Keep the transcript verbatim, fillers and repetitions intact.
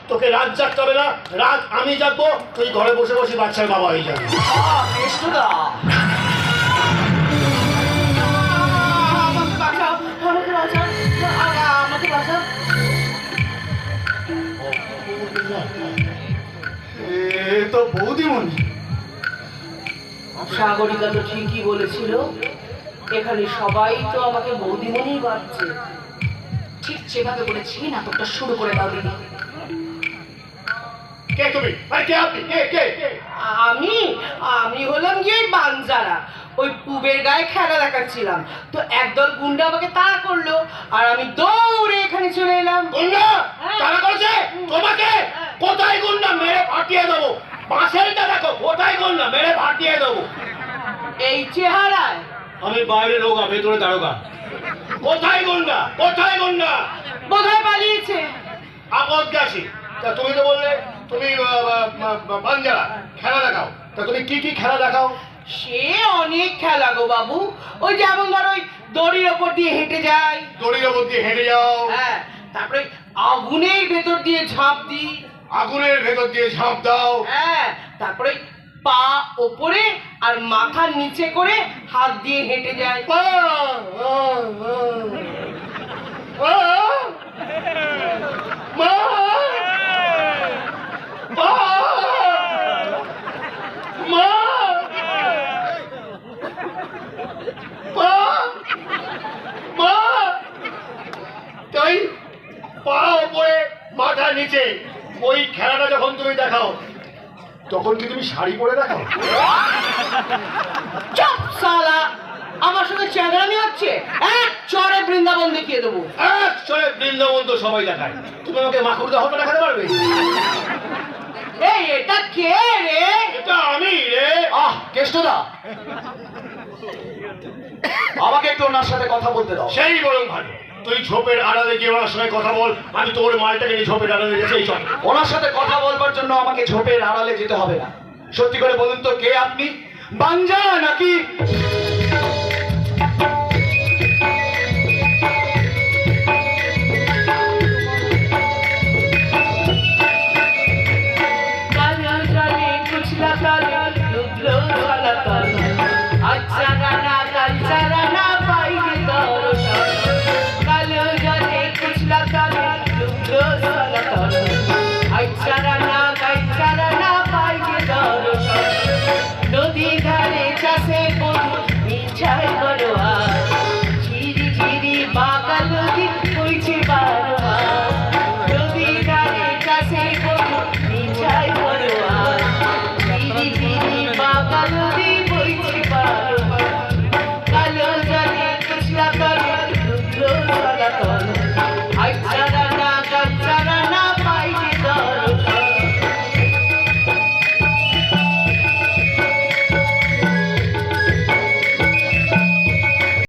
তোকে রাত জাগতে হবে না, রাত আমি জাগবো, তুই ঘরে বসে বসে বাচ্চার বাবা হয়ে যাবি। কেষ্টদা আমাকে বাঁচাও, আমাকে বাঁচাও, আমাকে বাঁচাও। এ তো বৌদিমণি। সাগরিকা তো ঠিকই বলেছিল, এখানে সবাই তো আমাকে বৌদিমণি ভাবছে। ঠিক যেভাবে বলেছি নাটকটা শুরু করে দাও দিদি। কে তুমি? আরে কে আপনি? কে কে কে? আমি আমি হলাম গিয়ে বানজারা, ওই পুবের গায়ে খেলা দেখাচ্ছিলাম, তো একদল গুন্ডা আমাকে তাড়া করলো আর আমি দৌড়ে এখানে চলে এলাম। গুন্ডা তারা করেছে তোমাকে? কোথায় গুন্ডা? মেরে ফাটিয়ে দেবো। পাশেরটা দেখো, কোথায় গুন্ডা? মেরে ফাটিয়ে দেবো। এই চেহারায়? আমি বাইরে রোগা, ভেতরে দারোগা। কোথায় গুন্ডা? কোথায় গুন্ডা? বোধহয় পালিয়েছে। আপদগাছি। তা তুমি তো বললে তুমি বাঞ্জারা খেলা দেখাও, তা তুমি কি কি খেলা দেখাও? সে অনেক খেলা গো বাবু, ওই যেমন ধর ওই দড়ির ওপর দিয়ে হেঁটে যায়, দড়ির ওপর দিয়ে হেঁটে যাও, হ্যাঁ, তারপরে আগুনের ভেতর দিয়ে ঝাঁপ দিই, আগুনের ভেতর দিয়ে ঝাঁপ দাও, হ্যাঁ, তারপরে পা ওপরে আর মাথা নিচে করে হাত দিয়ে হেঁটে যায়। পা, আ, আ, আ, মা, পা, মা, পা, মা, তাই পা ওপরে মাথা নিচে। ওই খেলাটা যখন তুমি দেখাও তখন কি তুমি শাড়ি পরে দেখাও? চুপ শালা, আমার সঙ্গে চ্যাংড়ামি হচ্ছে, এক চড়ে বৃন্দাবন দেখিয়ে দেবো। এক চলে বৃন্দাবন তো সবাই দেখায়, তুমি আমাকে মাকুর দেহটা দেখাতে পারবে? এই এটা কে রে? এটা আমি রে। আহ কেষ্টদা, আমাকে একটু ওনার সাথে কথা বলতে দাও। সেই বরং ভালো, তুই ঝোপের আড়ালে গিয়ে ওনার সঙ্গে কথা বল, আমি তোর মালটাকে নিয়ে ঝোপের আড়ালে গেছি। এই চল। ওনার সাথে কথা বলবার জন্য আমাকে ঝোপের আড়ালে যেতে হবে না। সত্যি করে বলুন তো, কে আপনি? বাঞ্জারা নাকি? কালো জলে কুচলা কালো ডুবলো সালা কালো, আচ্ছা রানা কালচা রানা পাইলে দর্শন। কালো জলে কুচলা কালো ডুবলো সালা কালো, আচ্ছা রানা কালচা রানা পাইলে দর্শন। নদী ধারে চাষে বধু মিছাই বড়োয়া, ঝিরি ঝিরি বাঁকা নদী বইছে বারোয়া। নদী ধারে চাষে বধু মিছাই বড়োয়া, ঝিরি ঝিরি বাঁকা নদী বইছে বারোয়া। কালো জলে কুচলা কালো ডুবলো সাদা তল,